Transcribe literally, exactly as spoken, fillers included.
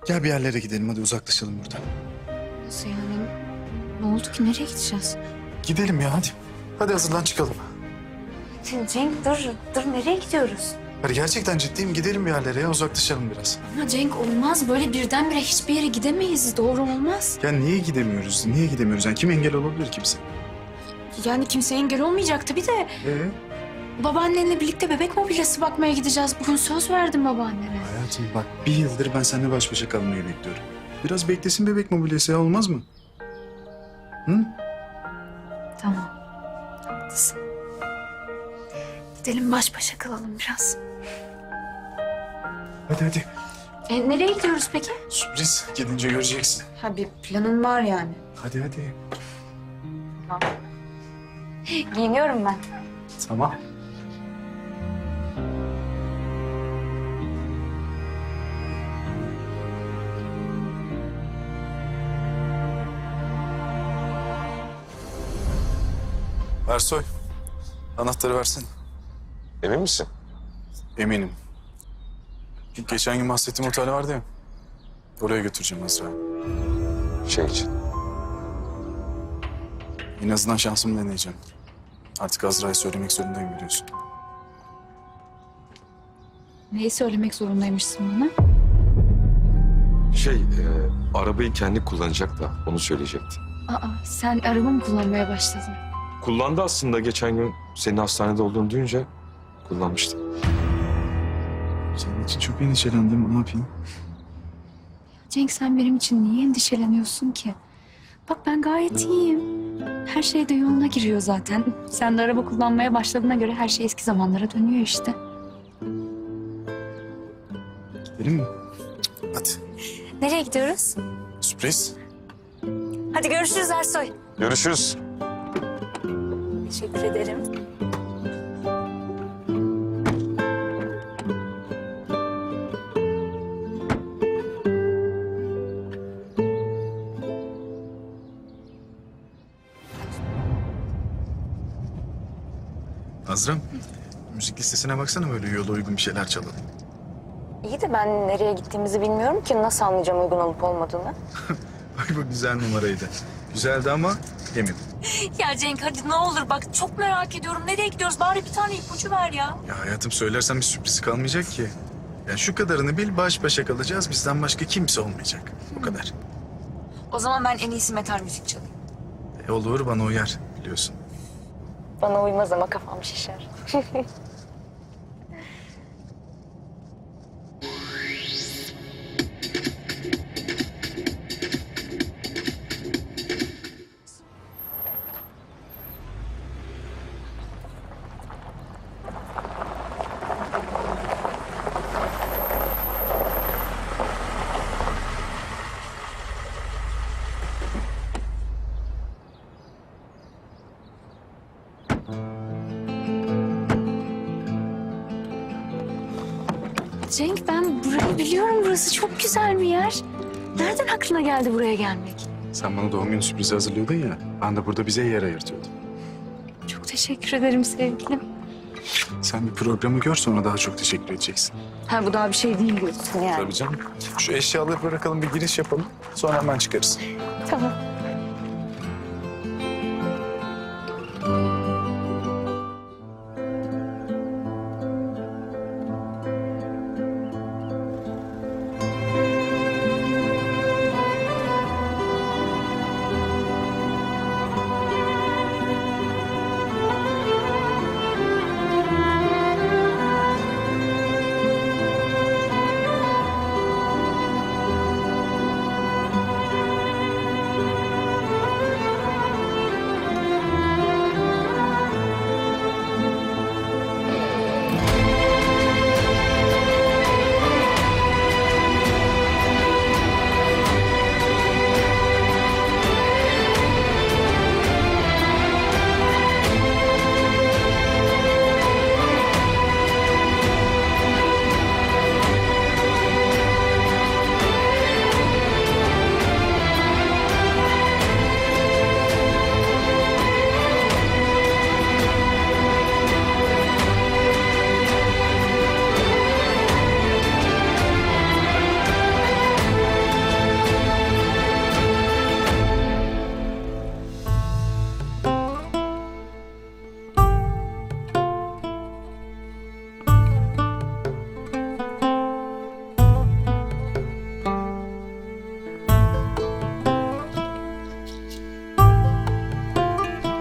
Gel bir yerlere gidelim, hadi uzaklaşalım buradan. Nasıl yani? Ne oldu ki? Nereye gideceğiz? Gidelim ya, hadi. Hadi hazırlan çıkalım. Cenk dur, dur nereye gidiyoruz? Hadi gerçekten ciddiyim, gidelim bir yerlere ya, uzaklaşalım biraz. Ama Cenk olmaz, böyle birdenbire hiçbir yere gidemeyiz. Doğru olmaz. Ya niye gidemiyoruz, niye gidemiyoruz? Yani kim engel olabilir ki bize? Yani kimseye engel olmayacak tabii de. Ee? Babaannenle birlikte bebek mobilyası bakmaya gideceğiz. Bugün söz verdim babaannene. Hayatım bak, bir yıldır ben seninle baş başa kalmayı bekliyorum. Biraz beklesin bebek mobilyası ya, olmaz mı? Hı? Tamam. Haklısın. Gidelim baş başa kalalım biraz. Hadi hadi. E, nereye gidiyoruz peki? Sürpriz, gidince göreceksin. Ha bir planın var yani. Hadi hadi. Giyiniyorum ben. Tamam. Ersoy, anahtarı versin. Emin misin? Eminim. Geçen gün bahsettiğim otel vardı ya. Oraya götüreceğim Azra'yı. Şey için. En azından şansımı deneyeceğim. Artık Azra'ya söylemek zorundayım biliyorsun. Neyi söylemek zorundaymışsın bana? Şey, e, arabayı kendi kullanacak da onu söyleyecekti. Aa, sen araba mı kullanmaya başladın? Kullandı aslında geçen gün senin hastanede olduğunu duyunca kullanmıştı. Senin için çok endişelendim, ne yapayım? Cenk sen benim için niye endişeleniyorsun ki? Bak ben gayet iyiyim. Her şey de yoluna giriyor zaten. Sen de araba kullanmaya başladığına göre her şey eski zamanlara dönüyor işte. Gidelim mi? Hadi. Nereye gidiyoruz? Sürpriz. Hadi görüşürüz Ersoy. Görüşürüz. Teşekkür ederim. Azra'm, müzik listesine baksana, böyle yola uygun bir şeyler çalalım. İyi de ben nereye gittiğimizi bilmiyorum ki nasıl anlayacağım uygun olup olmadığını. Bak bu güzel numaraydı. Güzeldi ama emin. Ya Cenk hadi ne olur bak çok merak ediyorum. Nereye gidiyoruz? Bari bir tane ipucu ver ya. Ya hayatım, söylersem bir sürpriz kalmayacak ki. Ya şu kadarını bil, baş başa kalacağız. Bizden başka kimse olmayacak. O kadar. O zaman ben en iyisi metal müzik çalayım. E olur, bana uyar biliyorsun. Bana uymaz ama kafam şişer. Cenk ben burayı biliyorum. Burası çok güzel bir yer. Nereden aklına geldi buraya gelmek? Sen bana doğum günü sürprizi hazırlıyordun ya. Ben de burada bize yer ayırtıyordum. Çok teşekkür ederim sevgilim. Sen bir programı gör, sonra daha çok teşekkür edeceksin. Ha bu daha bir şey değil diyorsun yani. Tabii canım. Şu eşyaları bırakalım, bir giriş yapalım. Sonra hemen çıkarız. Tamam.